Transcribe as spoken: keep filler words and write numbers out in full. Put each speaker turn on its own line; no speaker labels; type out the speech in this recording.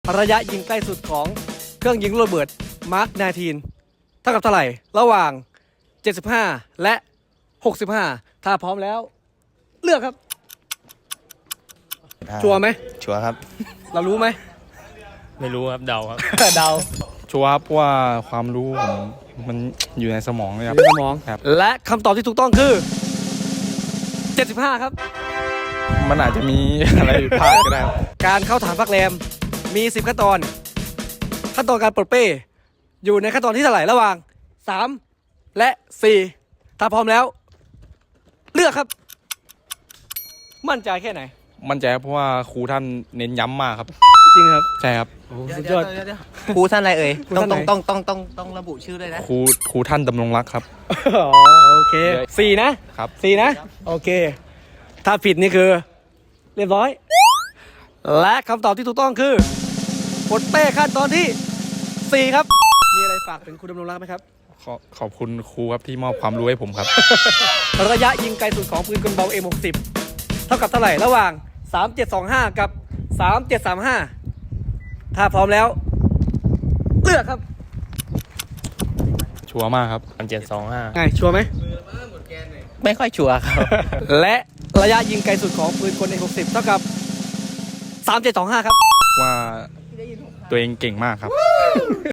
ระยะยิงใกล้สุดของเครื่องยิงลูกระเบิดมาร์คสิบเก้าเท่ากับเท่าไหร่ระหว่างเจ็ดสิบห้าและหกสิบห้าถ้าพร้อมแล้วเลือกครับชัวร์ไหม
ชัวร์ครับ
เรารู้ไหม
ไม่รู้ครับเดาครับ
เดา
ชัวร์เพราะว่าความรู้ผมมันอยู่ในสมองเลยครับ
ในสมอง
ครับ
และคำตอบที่ถูกต้องคือเจ็ดสิบห้าครับ
มันอาจจะมี อะไรผิดพลาดก็ได้
การเข้าฐานพักแรมมีสิบขั้นตอนขั้นตอนการปลดเป้อยู่ในขั้นตอนที่เท่าไหร่ระหว่างสามและสี่ถ้าพร้อมแล้วเลือกครับมั่นใจแค่ไหน
มั่นใจเพราะว่าครูท่านเน้นย้ำมากครับ
จริงครับ
ใช่ครับ
สุดยอด
ครูท่านอะไรเอ่ยต้อง
ต้
ต้
อ
อง งต้องต้องต้องต้องระบุชื่อด้วยนะ
ครูครูท่านดำรงรักครับ
อ๋อโอเคสี่นะครับสี่นะโอเคถ้าผิดนี่คือเรียบร้อยและคำตอบที่ถูกต้องคือปลดเป้ขั้นตอนที่สี่ครับมีอะไรฝากถึงคุณดำรงรักไหมครับ
ขอขอบคุณครูครับที่มอบความรู้ให้ผมครับ
ระยะยิงไกลสุดของปืนกลเบา เอ็ม หกสิบ เท่ากับเท่าไหร่ระหว่างสามเจ็ดสองห้ากับสามเจ็ดสามห้าถ้าพร้อมแล้วเลือกครับ
ชัวร์มากครับ
พันเจ็ดสองห้า
ไงชัวร์ไหม
ไม่ค่อยชัวร์ครับ
และระยะยิงไกลสุดของปืนกล เอ็ม หกสิบ เท่ากับสามเจ็ดสองห้าครับ
ว่าตัวเองเก่งมากครับ